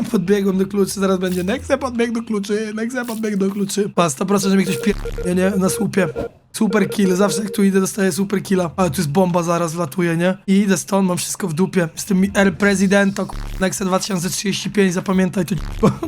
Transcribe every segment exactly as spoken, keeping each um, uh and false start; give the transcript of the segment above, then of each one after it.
podbiegłem do kluczy, zaraz będzie Nexe podbiegł do kluczy, Nexe podbiegł do kluczy. Pa, sto procent, że mi ktoś pie... nie, nie, na słupie. Super kill, zawsze jak tu idę dostaję super killa. Ale tu jest bomba, zaraz wlatuje, nie? I idę stąd, mam wszystko w dupie. Jestem El Presidento, Nexe dwa tysiące trzydzieści pięć, zapamiętaj to.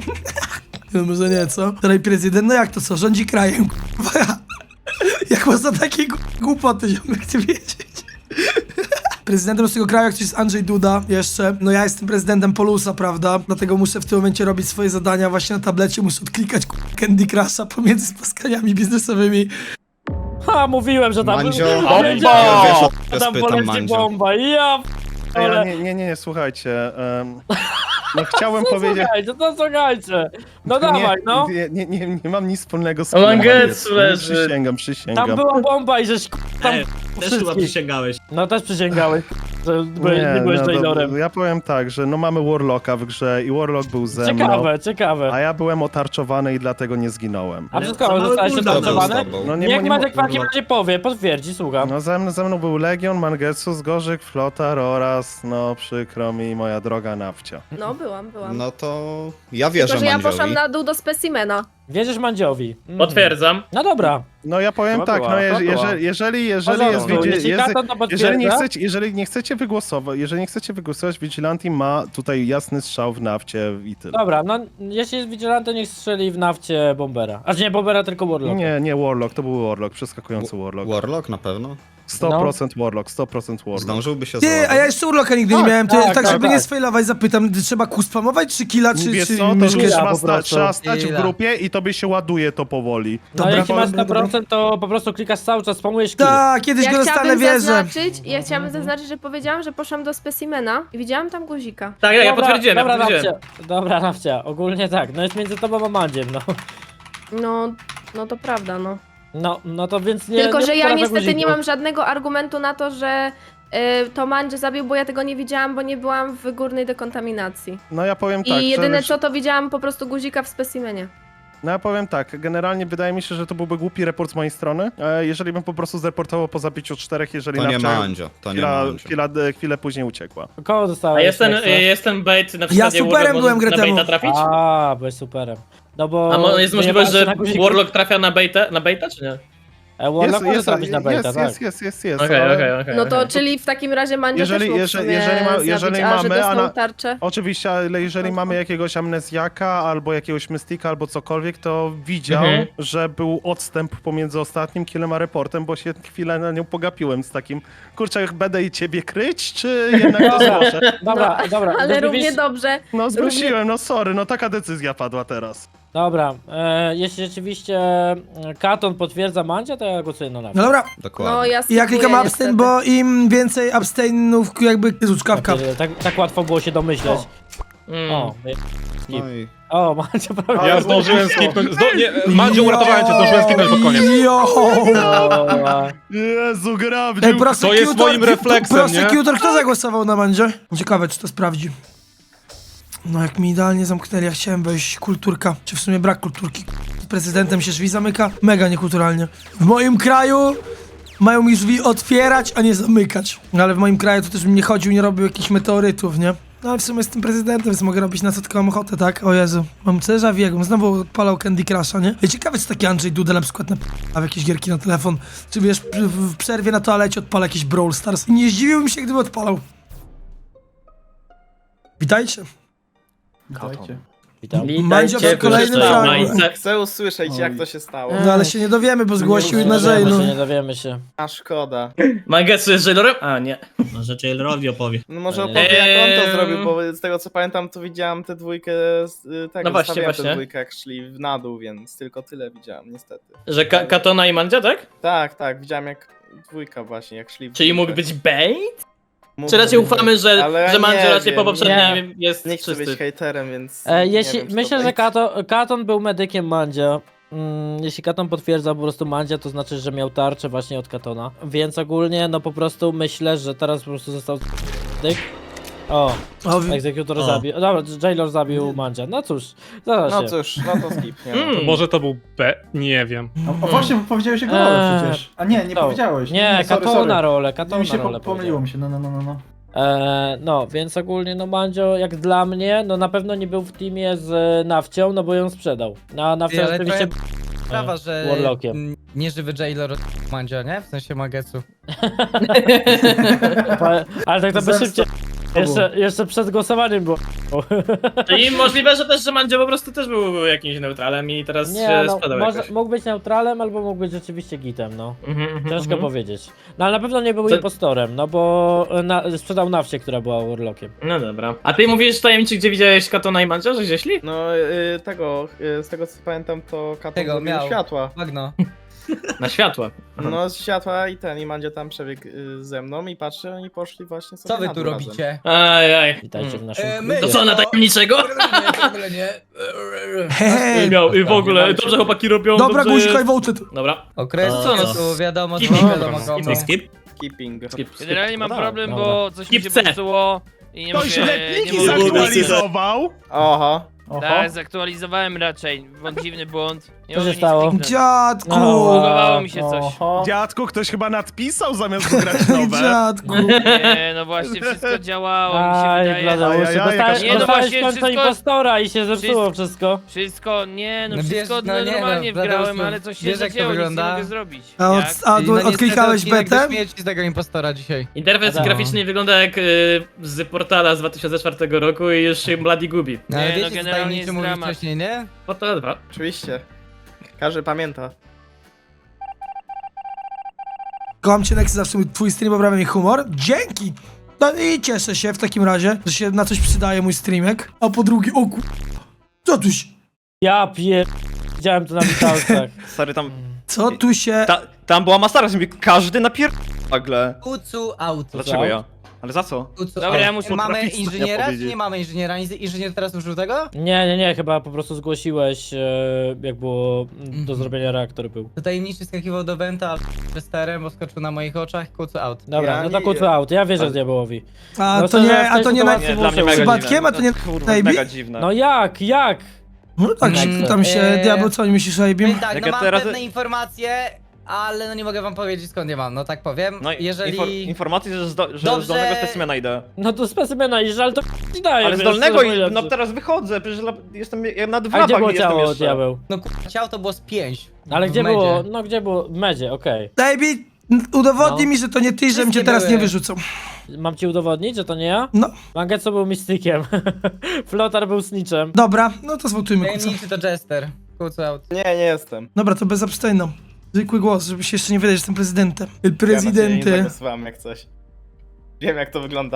No może nie, co? Teraz prezydent, no jak to co? Rządzi krajem, k***a. Jak można takie głupoty, ziomek, chcę wiedzieć. Prezydentem z tego kraju, jak coś jest Andrzej Duda jeszcze. No ja jestem prezydentem Polusa, prawda? Dlatego muszę w tym momencie robić swoje zadania właśnie na tablecie. Muszę odklikać Candy Crusha pomiędzy spotkaniami biznesowymi. Ha, mówiłem, że tam... Mandzio, Bomba! wiesz, o Tam spytam poleci Mandzio. bomba, ja... Ej, Ale... ale nie, nie, nie, słuchajcie. Um, no chciałem No powiedzieć... słuchajcie, no słuchajcie. No dawaj, no. Nie, nie, nie, nie mam nic wspólnego z O, filmem, Mangetsu nie, leży. Przysięgam, przysięgam. Tam była bomba i żeś tam Ej, też chyba wszystkich. przysięgałeś. No też przysięgałeś, że byłeś, nie, nie byłeś no, Jailorem. to, ja powiem tak, że no mamy Warlocka w grze i Warlock był ze mną. Ciekawe, ciekawe. A ja byłem otarczowany i dlatego nie zginąłem. A wszystko, zostałeś Kurde, otarczowany? był z tobą. No nie, Niech nie, Maciek w nie, takim razie powie, potwierdzi, słucham. No ze mną, ze mną był Legion, Mangetsu, Zgorzyk, Flotar oraz, no przykro mi, moja droga Nawcia. No, byłam, byłam. No to ja wierzę Tylko, że ja Mandziowi. poszłam na dół do specimena. Wierzysz Mandziowi? Mm. Potwierdzam. No dobra. No ja powiem Chyba tak, była, no chyba je, była. jeżeli, jeżeli, jeżeli jest, Porządku, widzi- jeśli jest, Katon to jeżeli nie potwierdza- chcecie, jeżeli nie chcecie wygłosować, jeżeli nie chcecie wygłosować, Vigilanti ma tutaj jasny strzał w nafcie i tyle. Dobra, no jeśli jest Vigilante, to niech strzeli w nafcie Bombera. Aż nie Bombera, tylko Warlocka. Nie, nie Warlock, to był Warlock, przeskakujący Warlock. Warlock na pewno. sto procent Warlock, sto procent Warlock. Zdążyłby się Ty, a ja załadować. jeszcze urloka nigdy nie Tak, miałem, to tak, tak, tak, żeby tak. nie sfailować, zapytam, trzeba Q spamować, czy killa, czy, Wiesz czy co, to myszkę? już Killa trzeba, po sta, prostu. trzeba stać w Killa. grupie i tobie się ładuje to powoli. No Dobra, jeśli masz dobra, sto procent, to po prostu klikasz cały czas, spamujesz kill. Tak, kiedyś Ja go dostanę, chciałabym wierzę. zaznaczyć, ja chciałabym zaznaczyć, że powiedziałam, że poszłam do specimena i widziałam tam guzika. Tak, ja, ja Dobra, potwierdziłem, ja dobra, potwierdziłem. Nafcia. Dobra, Nafcia, ogólnie tak, no jest między tobą a Mandziem, no. No, no to prawda, no. No, no to więc nie... Tylko, nie że ja potrafię niestety nie guzików. mam żadnego argumentu na to, że y, to Mandzie zabił, bo ja tego nie widziałam, bo nie byłam w górnej dekontaminacji. No ja powiem I tak, jedyne że, co, to widziałam po prostu guzika w specimenie. No ja powiem tak, generalnie wydaje mi się, że to byłby głupi report z mojej strony, e, jeżeli bym po prostu zreportował po zabiciu czterech, jeżeli To nie Nawcia Mandzio, to nie chwila, Mandzio. chwila, chwilę później uciekła. Koło A dostałeś? jest ten, Nexa? jest ten bait na Ja przykład superem byłem grę na temu. baita trafić? A, byłeś superem. No bo... A mo- jest możliwość, wyjebałaś że się na guziku. Warlock trafia na baita, na baita czy nie? E, Warlock może trafić na baita, jest, tak. jest, jest, jest, jest, Okej, ale- okej, okej. No to, okej. czyli w takim razie Mandzie Jeżeli- też mógł jeżeli- w sumie jeżeli ma- zabić, jeżeli a że mamy, dostał a na- tarczę. Oczywiście, ale jeżeli mamy jakiegoś amnezjaka albo jakiegoś mystika albo cokolwiek, to widział, Mhm. że był odstęp pomiędzy ostatnim killem a reportem, bo się chwilę na nią pogapiłem z takim, kurczę, jak będę i ciebie kryć, czy jednak to Dobra. zgłoszę? Dobra, No, dobra. Ale to równie wiesz- dobrze. No zgłosiłem, no sorry, no taka decyzja padła teraz. Dobra, e, jeśli rzeczywiście e, Katon potwierdza Mandzia, to ja głosuję na Nafcia. No dobra, Dokładnie. No ja i ja klikam skipuję abstain, niestety. bo im więcej abstainów, jakby, Jezu, czkawka. Tak, tak łatwo było się domyśleć. Mm. O, No i o, Mandzio prawie. Ja zdążyłem skipnąć. Zdo... Nie, Mandzio, uratowałem cię, zdążyłem skipnąć pod koniec. Jo! O, Jezu, Ej, grabdziu! To jest moim refleksem, nie? Prosecutor, kto zagłosował na Mandzie? Ciekawe, czy to sprawdzi. No jak mi idealnie zamknęli, ja chciałem wejść kulturka, czy w sumie brak kulturki. Z prezydentem się drzwi zamyka, mega niekulturalnie. W moim kraju mają mi drzwi otwierać, a nie zamykać. No ale w moim kraju to też bym nie chodził, nie robił jakichś meteorytów, nie? No ale w sumie jestem prezydentem, więc mogę robić na co tylko mam ochotę, tak? O Jezu, mam déjà vu, jakbym znowu odpalał Candy Crusha, nie? Ej, ciekawe, czy taki Andrzej Duda na przykład na a w jakieś gierki na telefon, czy wiesz, w w przerwie na toalecie odpala jakiś Brawl Stars. I nie zdziwiłbym się, gdyby odpalał. Witajcie. witam. Mandzio w kolejnym Witajcie, fragu. Majce. Chcę usłyszeć, jak to się stało. No ale się nie dowiemy, bo zgłosił Nie na dowiemy Jay, się, no. nie dowiemy się. A szkoda. Mangetsu jest Jailorem? A, nie. Może Jailerowi opowie. No może Eee. opowie, jak on to zrobił, bo z tego co pamiętam, to widziałem tę dwójkę, z- y, tak, No właśnie, zostawiałem właśnie. tę dwójkę, jak szli w na dół, więc tylko tyle widziałem, niestety. Że Ka Katona i Mandzia, tak? Tak, tak, widziałem jak dwójka właśnie, jak szli w Czyli dwójkę. mógł być bait? Mógł Czy raczej być. ufamy, że, Ale ja że Mandzio nie raczej po wiem, poprzednim jest Nie chcę czysty? być hejterem, więc E, nie jeśli, wiem, czy to myślę, że bait. Katon, Katon był medykiem Mandzia. Mm, jeśli Katon potwierdza po prostu Mandzia, to znaczy, że miał tarczę właśnie od Katona. Więc ogólnie, no po prostu myślę, że teraz po prostu został dyk. O, O, wi- egzekutor O. zabił. Dobra, Jailor zabił Mandzia. No cóż, zaraz No się. cóż, no to skip, nie? Mm. Może to był B? Nie wiem. O, o właśnie, powiedziałeś jego rolę Eee, przecież. A nie, nie no. powiedziałeś. Nie, sorry, Katona sorry. rolę, Mi Katona się rolę po, pomyliło mi się, no, no, no, no, no. E, no, więc ogólnie no Mandzio jak dla mnie, no na pewno nie był w teamie z e, Nawcią, no bo ją sprzedał. No, Nawcia Ale oczywiście... Sprawa, że Warlockiem. mm, nieżywy Jailor Mandzio, nie? W sensie Magetsu. Pa- Ale tak to by szybciej. Jeszcze, jeszcze przed głosowaniem było. Czyli możliwe, że też, że Mandzio po prostu też był jakimś neutralem i teraz Nie, się no, spadał może, jakoś. mógł być neutralem, albo mógł być rzeczywiście gitem, no. Mhm, mhm, Ciężko mhm. powiedzieć. No ale na pewno nie był Co- impostorem, no bo na, sprzedał Nawcie, która była Warlockiem. No dobra. A ty mówisz tajemniczy, gdzie widziałeś Katona i Mandzia, że gdzieś szli? No y, tego, y, z tego co pamiętam, to Katon Tego zrobił miał. światła. Bagno. Na światła. Aha. No z światła i ten, i Mandzio tam przebiegł y, ze mną i patrzę, oni poszli właśnie sobie Co wy na tu dół razem. robicie? Aj, aj. Witajcie w Mm. naszym E, klubie. my- To co, na tajemniczego? W ogóle nie. Hej, Miał, i w ogóle, dobrze chłopaki robią, dobra, dobrze guzik, I jest. voted. Dobra. Okres Co no? tu wiadomo, co Skip. wiadomo komu. Skip, skip. Keeping. Skip. Generalnie mam No problem, dobra. bo coś mi się Skip C. popsuło i nie Ktoś mogę... letniki nie mogę zaktualizował. Oho. Tak, zaktualizowałem raczej. Błąd, dziwny błąd. Nie Co mogę się nic stało? kliknąć. Dziadku! Bugowało mi się coś. Oho. Dziadku, ktoś chyba nadpisał zamiast wygrać nowe. Dziadku! Nie, no właśnie, wszystko działało, mi się Aj, wydaje. Bladeuszy, Ajajaj, dostałeś, Nie, no dostałeś właśnie, w końcu wszystko- impostora i się zepsuło wszystko- wszystko. Wszystko, nie, no No wiesz, wszystko no nie, no, normalnie Bladeusz, wgrałem, no, ale coś się wiesz, jak to zacięło, nic nie wygląda? mogę zrobić. A, od, Jak? a I do, no niestety odklikałeś odcinek betę? do śmierci z tego impostora dzisiaj. Interfejs Adam. graficzny wygląda jak y, z portala z dwa tysiące czwartego roku i już się Bloody gubi. No, ale Nie, no, wiecie, co generalnie tajemniczy jest mówił dramat. wcześniej, nie? Portal dwa. Oczywiście. Każdy pamięta. Kocham cię, Nexy, zawsze twój stream poprawia mi humor. Dzięki! No i cieszę się w takim razie, że się na coś przydaje mój streamek. A po drugie, o kur... Co tu się... Ja pier... Widziałem to na witalcach. Stary, tam, Co tu się... ta, tam była masakra, że mi każdy napier... nagle. Ucu auto. Dlaczego ja? Ale za co? Ucu Dobra, auto. ja muszę Mamy trafić, co ja inżyniera, czy powiedzieć. nie mamy inżyniera? Inżynier teraz użył tego? Nie, nie, nie, chyba po prostu zgłosiłeś, e, jak było mm, do zrobienia reaktor był. To tajemniczy skakiwał do Wenta, ale sterem, bo skoczył na moich oczach, kucu out. Dobra, Ja no to nie- kucu out, ja wierzę diabełowi. A No to to, że nie, w a tej to nie na... sytuacji Nie, dla mnie muszę mega użyć. Przypadkiem, a to nie... Kurwa, Maybe? mega dziwne. No jak, jak? No tak, Mm, tam się... eee. Diabeł, co nie myślisz o Abim? Tak, Jak no ja mam teraz- pewne informacje, ale no nie mogę wam powiedzieć skąd je mam, no tak powiem. No i Jeżeli... infor, informacji, że, zdo, że Dobrze. z dolnego specimena idę. No to specymena idziesz, ale to ci daje. Ale z wiesz, dolnego co i powiedzieć. no teraz wychodzę, przecież la- jestem ja nad A gdzie wrapach było jestem ciało, jeszcze. diabeł? No kurwa, ciało to było z pięć. Ale w gdzie medzie. było, no gdzie było? W medzie, okej. Baby, udowodnij No. mi, że to nie ty, żebym cię Wszystkie teraz nie były. wyrzucał. Mam ci udowodnić, że to nie ja? No, Mangetsu był mistykiem. Flotar był snitchem. dobra, no to zwotujmy kuca. Tajemniczy to Jester. Kucu out. Nie, nie jestem. Dobra, to bez abstejną. Zwykły głos, żeby się jeszcze nie wydać, że jestem prezydentem. El Ja na ciebie nie prezydenty. zagłosowałem jak coś. Wiem jak to wygląda.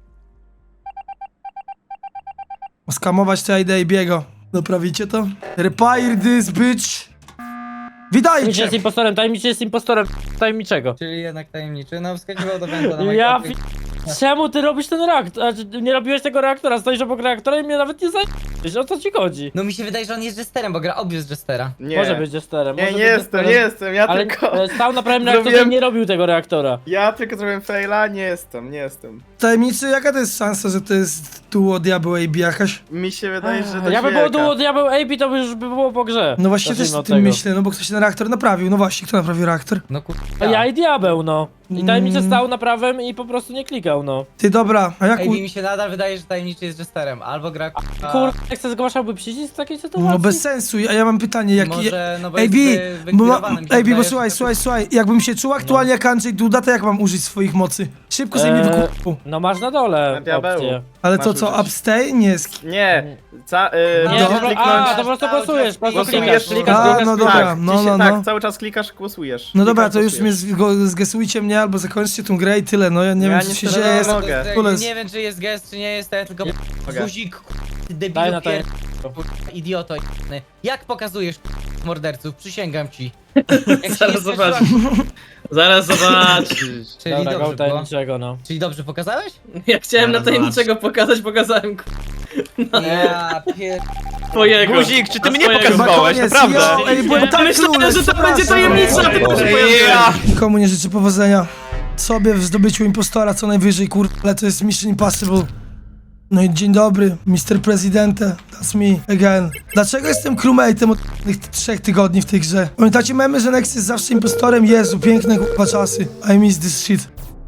Skamować to ja idę i biego. Naprawicie to? Repair this bitch. Tajemniczy Witajcie! jest impostorem, tajemniczy jest impostorem tajemniczego. Czyli jednak tajemniczy, no wskakiwał do Wenta na Ja moich fi... Czemu ty robisz ten reaktor? Znaczy, nie robiłeś tego reaktora, stoisz obok reaktora i mnie nawet nie zajmujesz. O co ci chodzi? No mi się wydaje, że on jest Jesterem, bo gra obvious Jestera. Nie. Może być jesterem. Nie, może nie być jestem, jesterem, nie jestem, ja Ale tylko... e, stał na prawym reaktorze i Zrobiłem- nie robił tego reaktora. Ja tylko zrobiłem faila, nie jestem, nie jestem. Tajemniczy, jaka to jest szansa, że to jest duo diabeł A B jakaś? Mi się wydaje, że to Jakby było duo diabeł A P, to by już by było po grze. No właśnie też Zacznijmy o od tym tego. myślę, no bo ktoś ten reaktor naprawił. No właśnie, kto naprawił reaktor? No kurwa. A ja i diabeł, no. I tajemniczy Mm. stał na prawym i po prostu nie klikał, no. Ty, dobra, a jak... Ej, U... mi się nadal wydaje, że tajemniczy jest Jesterem. Albo gra kurwa... Kurde, jak se zgłaszałby przycisk w takiej sytuacji? No bez sensu, a ja mam pytanie, jak... Może, no bo Ej, jest Bi, wy, bo, ma, wygwirowany, mi się ej, Bi, bo wydaje, słuchaj, że- słuchaj, słuchaj, jakbym się czuł aktualnie jak Andrzej Duda, to jak mam użyć swoich mocy? Szybko sobie mnie Eee, wykupił. No masz na dole Na diabeł. opcję. Ale masz co, co, użyć. abstain? Nie, sk- Nie, ca, y, No, Nie, możesz dobra, kliknąć... a, to po prostu Cały głosujesz, czas po prostu Głosujesz, klikasz, klikasz, A, klikasz, no klikasz. dobra, tak, no, ci się, no, tak, no. cały czas klikasz, głosujesz. No dobra, Klikasz, to już mnie głosujesz. zgo- zgesujcie mnie albo zakończcie tą grę i tyle, no ja nie Ja wiem co nie się chcę- dzieje. no, Jest... no, mogę. Kules. Nie wiem, czy jest gest, czy nie jest, to ja tylko... Mogę. Guzik, kurwa, ty Daj debilu na to. pier... kurwa, idioto jebany. Jak pokazujesz kurwa, morderców? Przysięgam ci. Jak się Zaraz nie zobacz. spieszyła- Zaraz zobaczysz. Czyli Dobra, dobrze go było. tajemniczego, no. Czyli dobrze pokazałeś? Ja chciałem na Zaraz tajemniczego pokazać, pokazałem k- Ja pier... twojego. Guzik, czy ty Na mnie twojego. pokazywałeś, Koniec, naprawdę? yo, ej, byłem tak Myślałem, clueless, że to przepraszam. będzie tajemnica, a ty to się Ja. pojawiłeś. Nikomu nie życzę powodzenia. Sobie w zdobyciu impostora co najwyżej, kur... ale to jest Mission Impossible. No i dzień dobry, mister Presidente, that's me again. Dlaczego jestem crewmate'em od tych trzech tygodni w tej grze? Pamiętacie memy, że Nex jest zawsze impostorem? Jezu, piękne kurwa czasy. I miss this shit.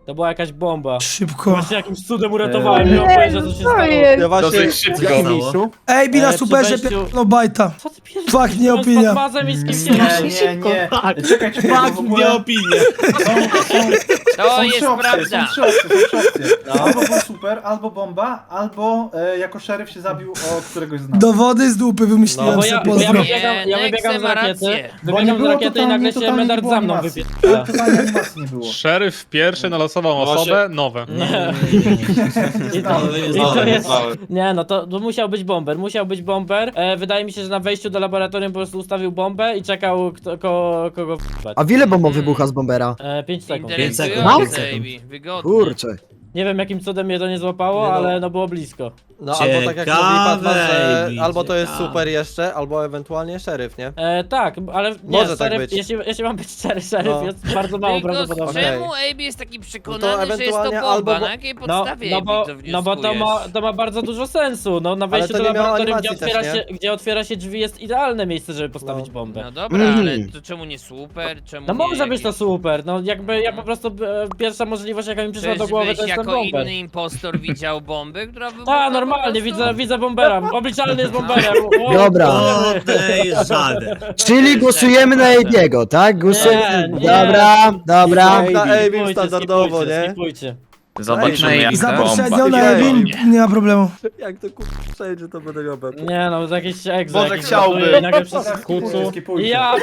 To była jakaś bomba. Szybko. Właśnie jakimś cudem uratowałem, nie mam pojęcia co się stało. jest? Dosyć szybko. Ej, bi na E, przy superze wejściu- no bajta. Co ty pierdolisz? Fakt, nie Z opinia. Fatmazem i z kimś Nie, innym. nie, nie. Czekaj, czekaj, bo w ogóle opinię. są, są, To są jest trzy opcje, prawda. są trzy opcje, są trzy opcje. Albo był super, albo bomba, albo e, jako szeryf się zabił o któregoś z nas. Dowody z dupy wymyśliłem No bo se, ja, bo ja pozdro. wybiegam, ja Nie, wybiegam z Nexe ma rakiety, rację. Bo nie wybiegam z było rakiety i totalnie, nagle się totalnie nie Medard było za mną animacji. wypierdala. Totalnie animacji nie było. Szeryf pierwszy nalosował osobę, nowe. I to, i to jest, nie no, to, to musiał być bomber, musiał być bomber. E, wydaje mi się, że na wejściu do laboratorium po prostu ustawił bombę i czekał kto, ko, kogo w***ać. A ile bomba wybucha z bombera? E, pięć sekund. Interesujące, Ejbi. Wygodne. Kurczę. Nie wiem jakim cudem mnie to nie złapało, Nie no. ale no było blisko. No albo tak jak mówi Patmas, że albo to jest super jeszcze, albo ewentualnie szeryf, nie? E, tak, ale nie, Może tak szeryf, być. jeśli, jeśli mam być szczery, szeryf No. jest bardzo mało Tylko prawdopodobne. czemu Ejbi jest taki przekonany, że jest to ewentualnie bomba? albo- Na jakiej No, podstawie no, Ejbi bo, to no bo to ma, wnioskujesz? to ma bardzo dużo sensu. No na wejściu to do nie miało laboratorium, gdzie animacji otwiera, też, się, gdzie otwiera się drzwi, jest idealne miejsce, żeby postawić No. bombę. No dobra, Mhm. ale to czemu nie super? Czemu No nie może być to jakiś- super, no jakby ja po prostu, e, pierwsza możliwość jaka mi przyszła do głowy Czyżbyś to jest ten jako bomber. inny impostor widział bombę, która wybuchła A, po normalnie, prostu? widzę, widzę bombera, obliczalny jest bomberem. O, Dobra. kurde. Czyli głosujemy na Ebiego, tak? Głosujemy. Nie, nie. dobra, dobra. Na Ejbim Skipujcie, standardowo, skipujcie, nie? skipujcie. Zobaczymy jak Za ta poprzednią bomba. na Evin nie ma problemu. Jak to kurwa przejdzie, to będę miał bekę. Nie no, to jakiś egzo. Boże, jakiś chciałby. gotuje i nagle przez Skipujcie, kucu. skipujcie. Ja,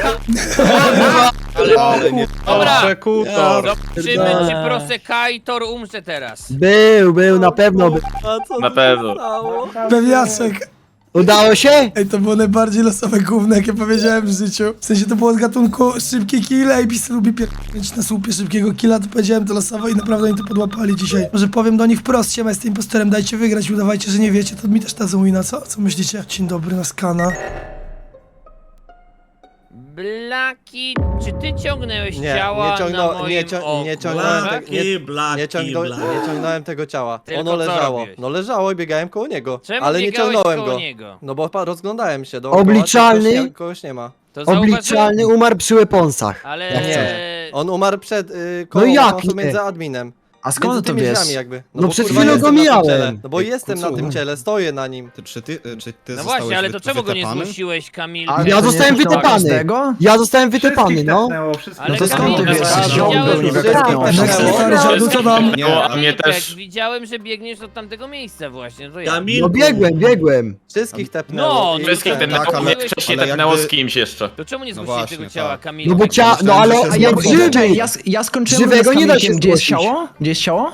Ale nie. Dobra, Przekutor. zobaczymy czy Prosekaitor umrze teraz. Był, był, na pewno był. A co Na tu pewno. stało? Pewniaczek. Udało się? Ej, to było najbardziej losowe gówno, jakie powiedziałem w życiu. W sensie to było z gatunku szybkie kill, a Ebis lubi pierdolić na słupie szybkiego killa, to powiedziałem to losowo i naprawdę oni to podłapali dzisiaj. Może powiem do nich wprost, siema, jestem impostorem, dajcie wygrać, udawajcie, że nie wiecie, to mi też dadzą wina, co? Co myślicie? Dzień dobry, na skana. Blaki, czy ty ciągnęłeś Nie, ciała nie, ciągnął, na moim nie, cią, oku? nie ciągnąłem, tak? te, nie, nie, ciągnął, nie ciągnąłem tego ciała. Tylko Ono co leżało. robiłeś? No leżało i biegałem koło niego. Czemu ale nie biegałeś ciągnąłem koło go. niego? No bo pa- rozglądałem się dookoła, Obliczalny? czy Kogoś nie, kogoś nie ma. To zauważyłem, Obliczalny umarł przy weaponsach. ale... Jak Nie. On umarł przed y, koło No jak no nie? między adminem. A Między tymi drzwiami jakby. No bo, przed kurwa, chwilą jestem go na tym mijałem. ciele. No bo Ty, jestem na kucu. tym ciele, stoję na nim. Ty, czy ty, czy ty No zostałeś właśnie, ale to wy- czemu go nie wytapany? zgłosiłeś, Kamil? Ja zostałem wytepany. Ja zostałem wytepany, Wszystkich no. tepnęło, wszystkich Ale to skąd Kamil, ty wiesz? widziałem, Ziombo, że- Wszystkich Next tepnęło. stary, żadu, co tam? Nie, a mnie Kamilek, też. widziałem, że biegniesz do tamtego miejsca właśnie, to ja. No biegłem, biegłem. Wszystkich tepnęło. No, i Wszystkich ten. tepnęło, Tak, ale- mnie wcześniej ale tepnęło jakby- z kimś jeszcze. To czemu nie No zgłosiłeś właśnie, tego ciała, tak. Kamil? No bo Tak, cia... No ale Myślałem, że jak się żywy. zgłosił. Ja, ja skończyłem Żywego nie da się Gdzie jest zgłosić. ciało? Gdzie jest ciało?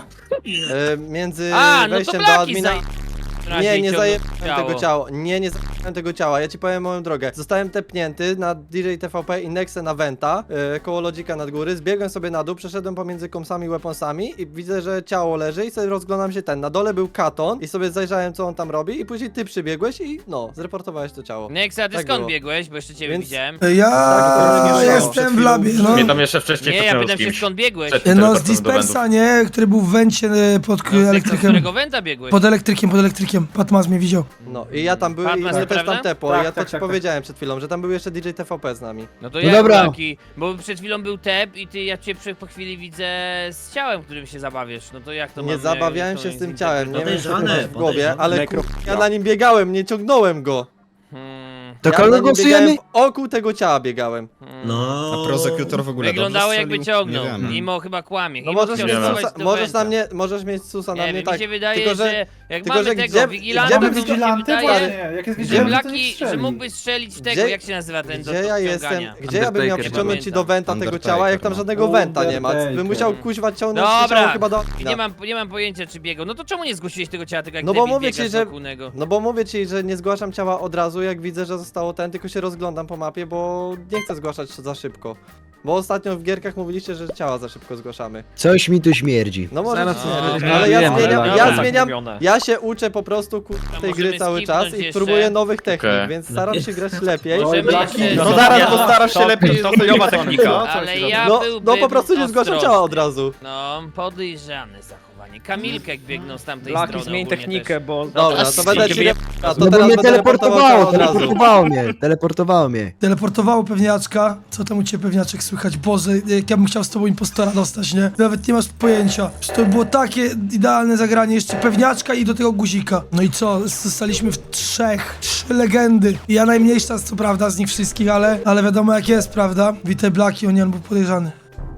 E, Między A, no to wejściem do Blaki admina... zaje... Nie, nie ciągnął zajebałem tego ciała. Nie, nie zajebałem tego ciała. Ja ci powiem moją drogę. Zostałem tepnięty na D J T V P i Nexę na Venta, yy, koło lodzika nad góry. Zbiegłem sobie na dół, przeszedłem pomiędzy komsami i weaponsami i widzę, że ciało leży i sobie rozglądam się ten. Na dole był Katon i sobie zajrzałem, co on tam robi i później ty przybiegłeś i no, zreportowałeś to ciało. Nexa, a ty Tak skąd było. biegłeś? Bo jeszcze ciebie Więc- widziałem. Ja Tak, to jestem przed w labie, no. Mnie tam jeszcze wcześniej Nie, ja tepnęło pytam z się kimś. skąd biegłeś. Przed- No z teleportem do dispersa, nie? Który był w wencie e, pod k- No, z tego, z elektrykiem. którego Wenta biegłeś? Pod elektrykiem, pod elektrykiem. Patmas mnie widział. No i ja tam byłem i Patmas, mnie też naprawdę? tam tepło. Tak, ja to tak, ci tak, powiedziałem przed chwilą, że tam był jeszcze D J T V P z nami. No to No jak dobra. taki? Bo przed chwilą był tep i ty, ja cię przy, po chwili widzę z ciałem, którym się zabawiesz. No to jak to Nie mam, zabawiałem to się z tym ciałem, nie wiem Podejrzane, co ty masz w głowie, podejrzane. ale kur... ja na nim biegałem, nie ciągnąłem go. Hmm, To ja kogo na nim głosujemy? biegałem, wokół tego ciała biegałem. hmm. No. A prosekutor w ogóle Wyglądało dobrze jakby strzelił? ciągnął, Nie wiem. mimo chyba kłamie. No Mimo możesz chciał mieć, schować susa, do możesz Wenta. na mnie, możesz mieć susa na Nie mnie wiem, tak. mi się wydaje, tylko, że, że, jak tylko, mamy że tego gdzie- Vigilanta, gdzie to by mi się Vigilanty? wydaje, Właśnie, jak jest że Vigilanty, to nie Blaki, że strzeli. mógłbyś strzelić w tego, Gdzie- jak się nazywa ten do gdzie ja jestem, ściągania. gdzie ja bym miał Undertaker, przyciągnąć ci do Wenta tego Undertaker, ciała, jak tam no. żadnego Wenta nie ma. Bym Undertaker. musiał kuźwa ciągnąć to Dobra, ciało chyba do... nie mam, nie mam pojęcia czy biegał. No to czemu nie zgłosiłeś tego ciała, tylko jak No bo debil mówię biegasz ci, że- wokół niego? No bo mówię ci, że nie zgłaszam ciała od razu, jak widzę, że zostało ten, tylko się rozglądam po mapie, bo nie chcę zgłaszać za szybko. Bo ostatnio w gierkach mówiliście, że ciała za szybko zgłaszamy. Coś mi tu śmierdzi. No może Zaraz ci nie, nie, nie, ale nie ja wiem, zmieniam, ale ja tak zmieniam, mówione. ja się uczę po prostu ku, tej możemy gry cały czas skipnąć i jeszcze? próbuję nowych technik, Okej. więc staram się grać lepiej. Oj, Blaki, Blaki, No no zaraz, ja- bo starasz się to- lepiej, to chujowa technika. Ale ja No, byłbym no po prostu nie zgłaszam ciała od ostrożny. razu. No, podejrzane zachowanie. Kamilka jak biegnął z tamtej Blaki, strony zmień ogólnie technikę, też. bo... Dobra, to będę ci... A to No bo teraz mnie będę reportował ciała teleportowało, od razu. teleportowało mnie, teleportowało mnie. Teleportowało pewniaczka. Co tam u ciebie pewniaczek słychać, Boże, jak ja bym chciał z tobą impostora dostać, nie? Nawet nie masz pojęcia. Przecież to było takie idealne zagranie, jeszcze pewniaczka i do tego guzika. No i co, zostaliśmy w trzech, trzy legendy. I ja najmniejsza, co prawda, z nich wszystkich, ale, ale wiadomo jak jest, prawda? Witaj Blaki, on był podejrzany.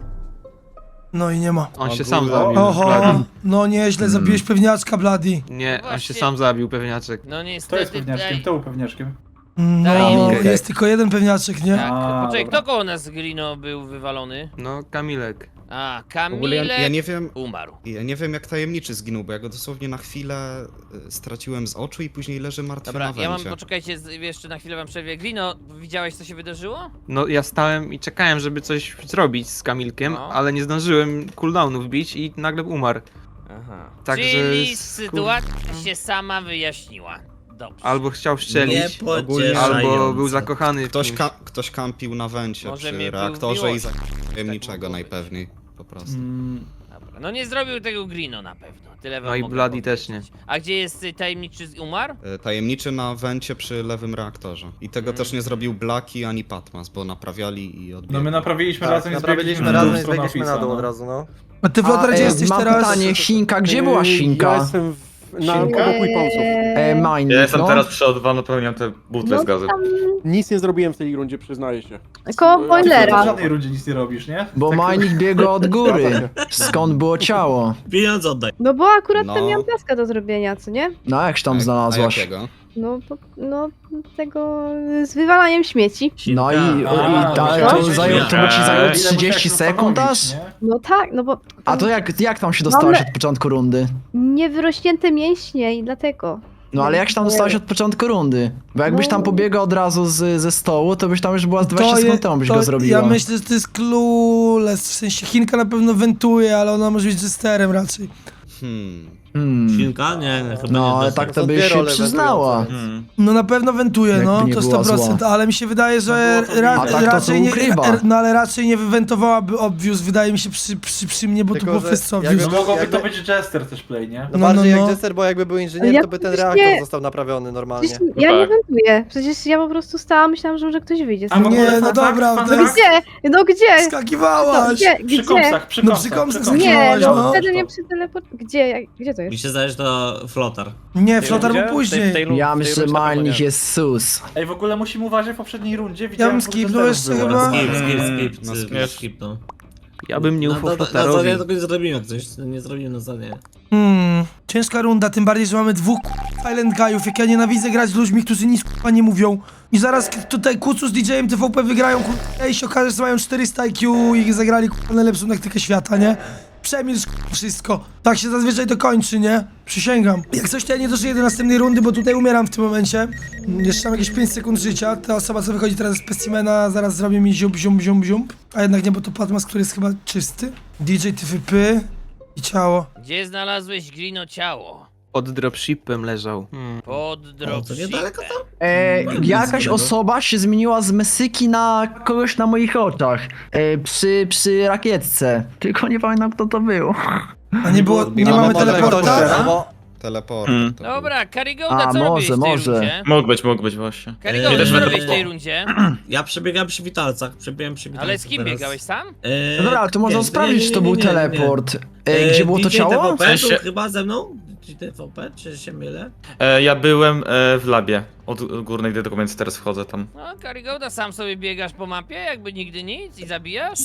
No i nie ma. On się sam zabił. Oho, no nieźle, zabiłeś pewniaczka, Bloody. Nie, on się sam zabił, pewniaczek. No Kto jest niestety... pewniaczkiem? ej, Kto był pewniaczkiem? No, Okej. jest tylko jeden pewniaczek, nie? Tak, A, poczekaj, dobra. kto koło nas z Grino był wywalony? No, Kamilek. A, W ogóle ja, Kamilek ja nie wiem, umarł. ja nie wiem jak tajemniczy zginął, bo ja go dosłownie na chwilę y, straciłem z oczu i później leży martwy Dobra, na ja mam, węcie. poczekajcie, z- jeszcze na chwilę wam przerwie. Grino, widziałeś co się wydarzyło? No, ja stałem i czekałem, żeby coś zrobić z Kamilkiem, No. ale nie zdążyłem cooldownów wbić i nagle umarł. Aha. Także Czyli skur- sytuacja się sama wyjaśniła. Dobrze. Albo chciał strzelić, Ogólnie albo był zakochany w Ktoś, kimś. ka ktoś kampił na węcie Może przy mnie był reaktorze i miłość. za tajemniczego mogło być. najpewniej. Po prostu. Mm, Dobra. No nie zrobił tego Grino na pewno. Tyle wam No i mogę Bloody powiedzieć. też nie. A gdzie jest y, tajemniczy z- umarł? Y, Tajemniczy na węcie przy lewym reaktorze. I tego też nie zrobił Blaki ani Patmas, bo naprawiali i odbiegli. no my naprawiliśmy Tak, razem i naprawiliśmy zbiegliśmy razem w i stronę zbiegliśmy na dół Office'a, od no. razu, no. A ty, Flotar, gdzie jesteś mam teraz? pytanie, Sinka, gdzie była Sinka? Ja jestem w, na obok Weaponsów. E, Mine, Ja jestem no. teraz przy O dwa, napełniam te butle No z gazem. tam Nic nie zrobiłem w tej rundzie, przyznaję się. koło Ty w boilera. żadnej rundzie nic nie robisz, nie? Bo Tak- Minik biegł od góry. Skąd było ciało? Pieniądz oddaj. No bo akurat No. tam miałam taska do zrobienia, co nie? No jak się tam A- A znalazłaś? jakiego? No, po, no tego z wywalaniem śmieci. No i, i, A, ta, no, to, no, zajęło, to by ci zajęło Ile musiałeś trzydzieści sekund aż? zastanowić, nie? No tak, no bo A to jak, jak tam się dostałaś od początku rundy? niewyrośnięte mięśnie i dlatego. No ale jak się tam dostałaś od początku rundy? Bo jakbyś No. tam pobiegła od razu z, ze stołu, to byś tam już była z dwadzieścia To je- sekund temu byś to go zrobiła. Ja myślę, że to jest clueless, w sensie Chinka na pewno wentuje, ale ona może być jesterem raczej. Hmm. Hmm. Silka? Nie, chyba No nie. ale tak to Są byś dwie się role przyznała. wentujące, Hmm. No na pewno wentuje, Jakby no, nie to była sto procent, zła. ale mi się wydaje, że No było to ra widać. A tak to raczej to nie, ukrywa. ra no ale raczej nie wywentowałaby obvious, wydaje mi się przy, przy, przy mnie, bo Tylko, to było że wszyscy jakby- obvious. No mogłoby Jakby- to być Jester też play, nie? No, No, bardziej no, jak no. Jester, bo jakby był inżynier, Ja to by ten przecież reaktor nie- został naprawiony normalnie. Przecież ja nie wentuję. Przecież ja po prostu stałam, myślałam, że może ktoś wyjdzie. A w ogóle Nie, no fun dobra, fact, to fun jest- fact. Gdzie? No gdzie? Skakiwałaś! Gdzie? Przy Gdzie? komsach, przy No komsach. przy komsach przy komsach. Nie, skakiwałaś, no no. wtedy mnie przy teleport... Gdzie? Jak- Gdzie to jest? Mi się zdaje, że to flotar. Nie, Flotar był później. Ja myślę, że Minik jest sus. Ej, w ogóle musimy uważać, w poprzedniej rundzie Ja widziałem... bym dwóch skipnął Jesterów jeszcze było. chyba. Skip, skip, Mm, skip, no skip, skip. skip, no. Ja bym nie No ufał to, to, to, Flotarowi. ja tego nie zrobiłem jak coś, nie zrobiłem na zadanie. Hmm, ciężka runda, tym bardziej, że mamy dwóch k***a Island Guyów, jak ja nienawidzę grać z ludźmi, którzy nic k***a nie mówią. I zaraz k- tutaj Kucu z D J-em T V P wygrają k***a i się okaże, że mają czterysta I Q i zagrali k***a najlepszą taktykę świata, nie? Przemilcz k***a wszystko. Tak się zazwyczaj to kończy, nie? Przysięgam. Jak coś, to ja nie dożyję do następnej rundy, bo tutaj umieram w tym momencie. Jeszcze mam jakieś pięć sekund życia. Ta osoba, co wychodzi teraz z specimena, zaraz zrobi mi ziump, ziump, ziump, ziump. A jednak nie, bo to Patmas, który jest chyba czysty. D J T V P i ciało. Gdzie znalazłeś Grino ciało? Pod dropshipem leżał. Hmm. Pod O, to dropshipem. niedaleko tam? E, jakaś złego. osoba się zmieniła z Mesyki na kogoś na moich oczach. E, przy, przy rakietce. Tylko nie pamiętam kto to był. A nie było, nie No, mamy może teleporta? ktoś- Albo Teleport. Hmm. to był. Dobra, Karigoda, A, co może, robisz w tej może. rundzie? Mógł być, mógł być właśnie. Karigoda, Eee, co też robisz w będę- tej rundzie? Ja przebiegałem przy witalcach, przebiegałem przy witalcach Ale z kim teraz. biegałeś sam? Eee, No dobra, ale to można nie, sprawdzić, nie, czy to nie, był nie, nie, nie. teleport. E, Eee, gdzie było to D J ciało? T V P W sensie- był chyba ze mną? D J T V P, czy się mylę? E, ja byłem e, w labie. Od górnej do więc teraz wchodzę tam. No, Karigoda, sam sobie biegasz po mapie, jakby nigdy nic i zabijasz?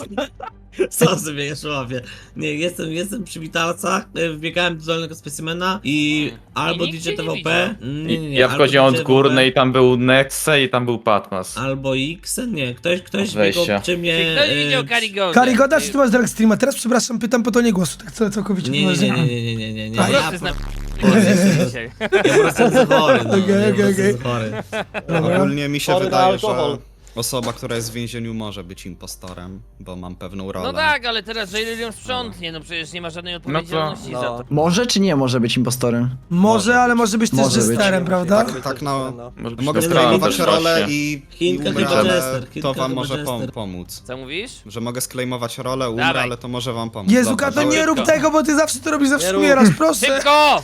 Co sobie jeszcze łapię? Nie, jestem, jestem przy witalcach, e, wbiegałem do dolnego specimena i albo I nikt D J cię nie T V P... Nie, nie, nie, Ja albo wchodziłem D J od T V P, górnej, tam był Nexe i tam był Patmas. Albo X, nie, ktoś, ktoś Od wejścia. biegał przy mnie... Czy ktoś e, widział Karigodę? Karigoda, czy ty masz drag streama? Teraz przepraszam, pytam po tonie głosu, tak co całkowicie Nie, nie, poważnie. nie, nie, nie, nie, nie, nie, A, Po ja prostu po- jest dzisiaj. ja po prostu jestem chory, no, Okej, ja po okej, prostu okej. jestem chory. Ogólnie mi się Chory na wydaje, że alkohol. osoba, która jest w więzieniu może być impostorem, bo mam pewną rolę. No tak, ale teraz Jailer ją sprzątnie, no przecież nie ma żadnej odpowiedzialności no. za to. Może czy nie może być impostorem? Może, ale może być też Może być. jesterem, prawda? Tak, tak no, Może być mogę na sklejmować prawdę, rolę właśnie. i, i Chinka umrę, chyba ale Jester, Chinka to wam chyba może pom Jester. pomóc. Co mówisz? Że mogę sklejmować rolę, umrę, Dawaj. ale to może wam pomóc. Jezu, Dobra, Kato, nie dawaj. rób tego, bo ty zawsze to robisz, zawsze Nie rób. umierasz, proszę! Szybko!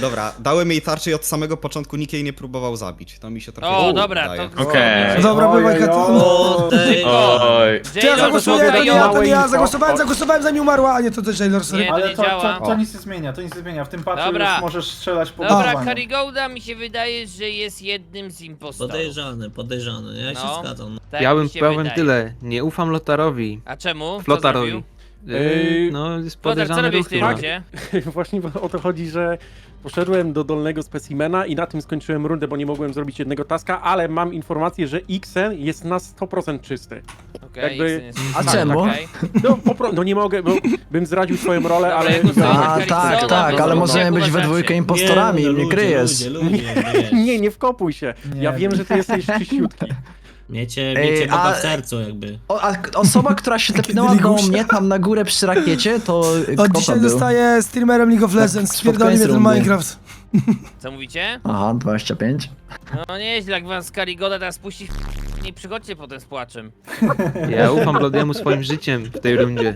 Dobra, dałem jej tarczę i od samego początku nikt jej nie próbował zabić. To mi się trochę O, nie dobra, wydaje. to... Okej. Dobra, Oj, bywaj oj, Katon. O, tej... Oj. Czy ja zagłosuję? To nie ja, to nie ja. Zagłosowałem, zagłosowałem zanim umarła, a nie to też Jailor, sorry. Nie, to Ale nie to, działa. to, to nic nie zmienia, to nic nie zmienia. W tym patchu Dobra. już możesz strzelać po Dobra, głowach. Karigouda mi się wydaje, że jest jednym z impostorów. Podejrzany, podejrzany, ja się No. zgadzam. Tak Ja mi bym się powiem wydaje. tyle, nie ufam Lotarowi. A czemu? Co Flotarowi. zrobił? Yy, No, jest Flotar, co podejrzany robisz ruch w tej chyba. rundzie? Właśnie o to chodzi, że poszedłem do dolnego specimena i na tym skończyłem rundę, bo nie mogłem zrobić jednego taska, ale mam informację, że Xen jest na sto procent czysty. Okej, Jakby- Xen jest- A tak, czemu? okej. No, po pro... no nie mogę, bo bym zdradził swoją rolę, Dobra, ale... ja głosuję na A Carricksona, tak, bo tak, ale to możemy jak być we uważacie? dwójkę impostorami, no, nie ludzie, kryjesz. Ludzie, ludzie, wiesz. Nie, nie wkopuj się. Nie, Ja wiem, że ty jesteś czyściutki. Miecie, Ej, miecie Boga a- w sercu jakby. O, a k- osoba, która się tepnęła do mnie tam na górę przy rakiecie, to y, Od kto dzisiaj to był? zostaję streamerem League of Legends, pod spierdoli mnie koniec ten rundy. Minecraft. Co mówicie? Aha, dwadzieścia pięć. No nieźle, jak was Karigoda teraz puści w... Nie przychodźcie potem z płaczem. Ja ufam Bladiemu swoim życiem w tej rundzie.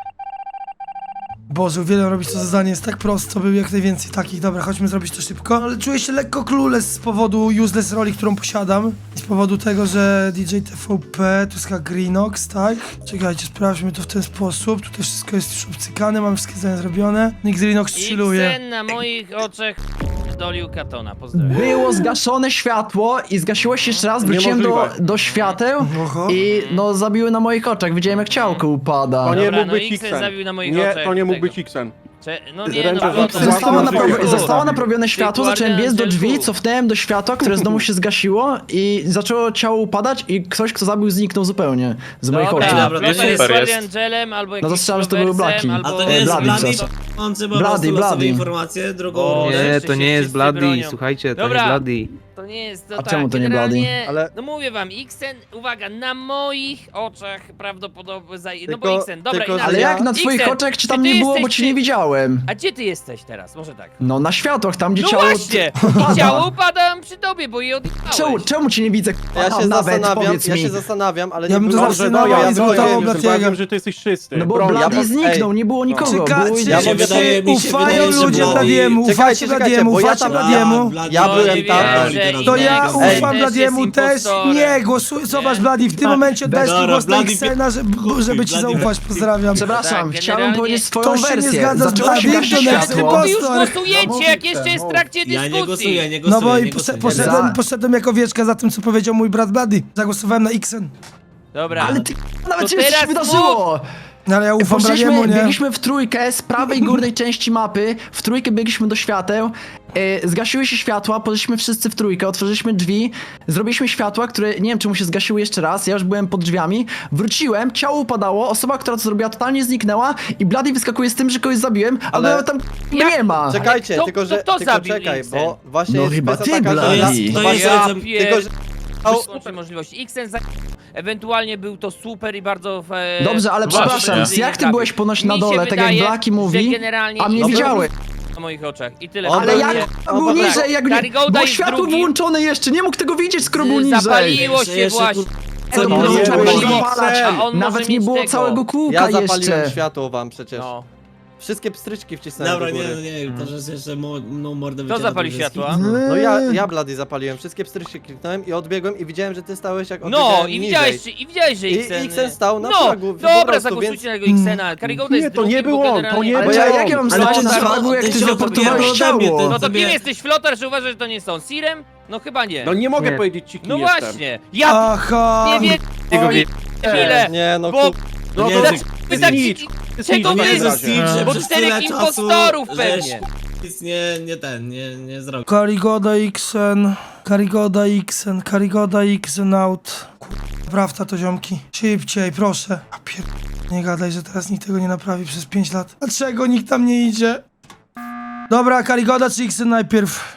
Boże, uwielbiam robić to zadanie, jest tak prosto, był jak najwięcej takich. Dobra, chodźmy zrobić to szybko. Ale czuję się lekko clueless z powodu useless roli, którą posiadam. I z powodu tego, że D J T V P, tu jest chyba Greenox, tak? Czekajcie, sprawdźmy to w ten sposób. Tutaj wszystko jest już obcykane, mam wszystkie zadania zrobione. Nick Greenox chilluje. Xen na moich oczach dolił Katona, pozdrawiam. Było zgaszone światło i zgasiło się jeszcze raz, wróciłem do, Niemożliwe. do świateł Oho. i no zabiły na moich oczach, widziałem jak ciałko upada. To nie Dobra, mógł no być Xen Xen. zabił na moich Nie, oczach to nie mógł tego. być Xen. Cze... No nie, Ręce no w bo ręce. to Zostało, Zabił. naprawi- Zabił. zostało naprawione światło, zacząłem biec do drzwi, Guardian cofnąłem do światła, które znowu się zgasiło i zaczęło ciało upadać i ktoś, kto zabił, zniknął zupełnie z moich Dobra, oczu. Dobra, Flotar jest super jest. Guardian Angelem albo No jakimś to strzelam, że to były Robertsem, Blaki. A albo... to nie jest Bloody, Bloody, co? on po Bloody, prostu losowe Bloody. informacje, drugą O, rundę. nie. Nie, jeszcze to się nie jest wszyscy Bloody, bronią. słuchajcie, to Dobra. jest Bloody. To nie jest to A tak, czemu to nie generalnie, Bloody? Ale- No mówię wam, Xen, uwaga, na moich oczach prawdopodobnie zaj... No Tylko- bo Xen, dobra, tylko, że inaczej. Ale ja- jak na twoich Xen, oczach, czy czy tam ty nie było, bo jesteś cię nie ty- widziałem? A gdzie ty jesteś teraz? Może tak. No na światłach, tam gdzie No ciało... właśnie! I ciało upadam przy tobie, bo je odjechałeś. Czemu, czemu cię nie widzę? Ja się Nawet, zastanawiam, powiedz ja mi. się zastanawiam, ale Ja nie bym to było- zawsze Dobrze, no, na ja i zgotował wiem, że Bladiego. wiem, że ty jesteś czysty. No bo Broń. Blady ja- zniknął, ej. nie było nikogo. Czyka, Było... czy, Ja czy, mi wydaje- mi się ufają wydaje, że ludzie Bloody- Bladiemu, Czekajcie, ufacie czekajcie, Bladiemu, bo ja ufacie tam- Bladiemu. Ja No, byłem nie tam. wierzę, To ja innego. ufam Ej, też Bladiemu jest też. impostorem. Nie, głosuj, zobacz Bladi, w tym Tak. momencie oddałeś Dobra, głos na Bloody- Xena, żeby, żeby ci Bloody- zaufać, pozdrawiam. Przepraszam, Tak, chciałem generalnie powiedzieć swoją to się nie wersję. zgadza z Zaczęło się Bladim, gasić to nie jest światło. impostor. Wy już No głosujecie, mów, jak Xen, jeszcze jest w mów. trakcie Ja dyskusji. nie głosuję, nie No głosuję, bo i nie poszedłem, głosuję. Za- poszedłem, poszedłem jako wieczka za tym, co powiedział mój brat Bladi. Zagłosowałem na Xen. Dobra. Ale ty, nawet To się coś teraz wydarzyło. No ale ja ufam Bladiemu, Poszliśmy, nie? biegliśmy w trójkę z prawej górnej części mapy, w trójkę biegliśmy do świateł, e, zgasiły się światła, poszliśmy wszyscy w trójkę, otworzyliśmy drzwi, zrobiliśmy światła, które nie wiem czemu się zgasiły jeszcze raz, ja już byłem pod drzwiami, wróciłem, ciało upadało, osoba, która to zrobiła totalnie zniknęła i Blady wyskakuje z tym, że kogoś zabiłem, ale, Ale- tam nie ma. Czekajcie, kto- tylko że, kto tylko zabił czekaj, Xen? bo właśnie No jest chyba kwestia ty, taka, że Bladi. ja, To jest- to właśnie, Ja jest- pier... tylko, że Super możliwości. Xen za... Ewentualnie był to super i bardzo... E... Dobrze, ale Właśnie. przepraszam, jak ty byłeś ponoć na Mi się dole, tak wydaje, jak Blaki że mówi, generalnie a mnie Xen widziałeś. na moich oczach. I tyle. On Ale był jak nie- był dobra. niżej, jak nie, Karigouda było jest światło drugi. wyłączone jeszcze, nie mógł tego widzieć, skoro był niżej. Zapaliło się Jeszcze, właśnie. Co To nie było było? trzeba było zapalać. A on może Nawet nie mieć było tego. całego kółka ja zapaliłem jeszcze. światło wam przecież. No. Wszystkie pstryczki wcisnąłem Dobra, do nie, góry. no nie, to że jeszcze mo, no mordę Kto wyciera, zapalił to jest światła? hit. No ja, ja Blady zapaliłem, wszystkie pstryczki kliknąłem i odbiegłem i widziałem, że ty stałeś jak No, odbiegałem i niżej. widziałeś, i widziałeś, że I Xen... Xen stał na No, fragu, po dobra, prostu, zagłosujcie więc- na jego Xena. Karigouda jest Nie, to drugi, nie bo był on, to generalnie- nie Ale był ja, on. jak ja mam Ale znać to na za- fragu, jak ty ty się zreportowałeś odbijałeś ciało? ode mnie, ty- No to sobie- kim jesteś, Flotar, że uważasz, że to nie są? Sirem? No chyba nie. No nie mogę Nie. powiedzieć ci, kim No jestem. właśnie. Ja Aha! nie wiem, Jego wie... chwilę. Nie, no Bo- ku... No Nie, to że- Wy tak Snitch. czego Snitch, wy- nie że zgadza. Steve, że Bo przez czterech tyle czasu, impostorów że pewnie. nic nie, nie ten, nie, nie zrobił. Karigoda Xen, Karigoda Xen, Karigoda Xen out. Kurwa, prawda to ziomki. Szybciej, proszę. A pier... Nie gadaj, że teraz nikt tego nie naprawi przez pięć lat. Dlaczego nikt tam nie idzie? Dobra, Karigoda czy Xen najpierw?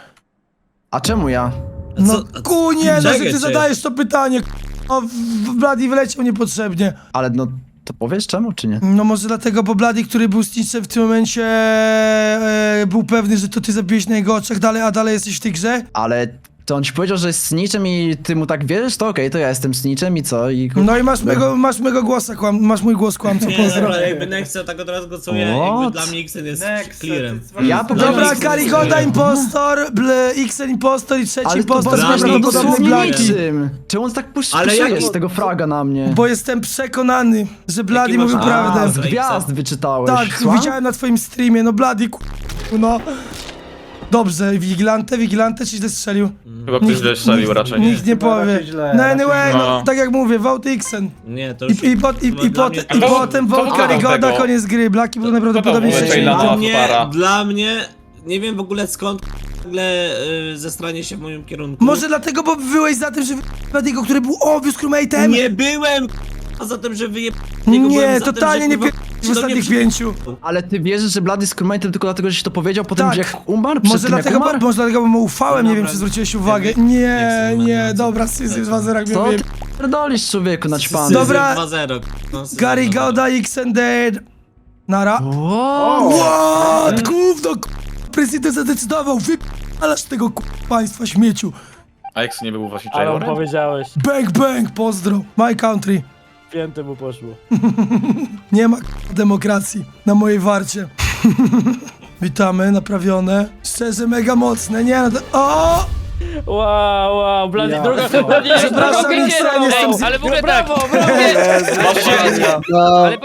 A czemu ja? No co- a- kunie, no, że czekaj, ty czy- zadajesz to pytanie. O, w- w Bladi wyleciał niepotrzebnie. Ale no, to powiesz czemu, czy nie? No może dlatego, bo Bladi, który był snitchem w tym momencie, e, był pewny, że to ty zabiłeś na jego oczach dalej, a dalej jesteś w tej grze? Ale to on ci powiedział, że jest snitchem i ty mu tak wierzysz, to okej, to ja jestem snitchem i co? I... No i masz mego, masz mego głosa, kłam, masz mój głos kłamco, Nie, pozdro. dobra, jakby Nexe tak od razu głosuje, jakby What? dla mnie Xen jest Nexe, clearem. ty dzwonisz Ja po do prostu- Dobra, Nexe. Karigoda impostor, ble, Xen impostor i trzeci Ale to impostor dla bez z mnie no prawdopodobnie dosłownie Blaki. niczym. Czemu on tak pusz, Ale puszuje jak- z tego fraga na mnie? Bo jestem przekonany, że Blady Jaki masz- mówił A, prawdę. Z gwiazd wyczytałeś. Tak, Słucham? widziałem na twoim streamie, no Blady, ku... no. Dobrze, Vigilante, Vigilante ci źle strzelił. Chyba ktoś źle strzelił raczej. Nikt nie Chyba powie. raczej źle, No raczej anyway, źle. no, No. tak jak mówię, vote Xen. Nie, to już... I, i, pot, i, i, dla pot, mnie- i to- potem to vote wygrał Karigoda, tego. koniec gry. Blaki był najprawdopodobniej to był trzeci. Jayla. Dla No, mnie, para. dla mnie, nie wiem w ogóle skąd nagle y, zestranie się w moim kierunku. Może dlatego, bo byłeś za tym, że Bladiego, który był obvious crewmate'em? Nie byłem a za tym, że wyje... Nie, totalnie nie pier... w ostatnich przy... pięciu. Ale ty wierzysz, że Blady jest crewmate'em tylko dlatego, że ci to powiedział potem, Tak. jak umarł? Przed Może tym, jak dlatego, bo, umarł? może dlatego, bo mu ufałem, nie wiem, Dobra. czy zwróciłeś uwagę. Nie Nie, chcę nie, mówić. dobra, Syzy dwa zero, jak Co mówię. ty pierdolisz, człowieku, naćpany? Syzyf Dobra. dwa zero. No, Syzyf Karigoda, Xen dead. Nara. Wow. What? Gówno, k***. Prezydent zadecydował, wypalasz tego k***, państwa śmieciu. A X nie był właśnie Ale on Jailorem? powiedziałeś, Bang, bang, pozdro. My country. pięty mu poszło. Nie ma k***, demokracji na mojej warcie. Witamy, naprawione. Szczerze, mega mocne, nie no to... O! Wow, wow, Blady, Ja. druga chyba nie, Przepraszam, druga Xen, jestem z- ale w ogóle tak. Brawo, brawo! Właśnie, Ale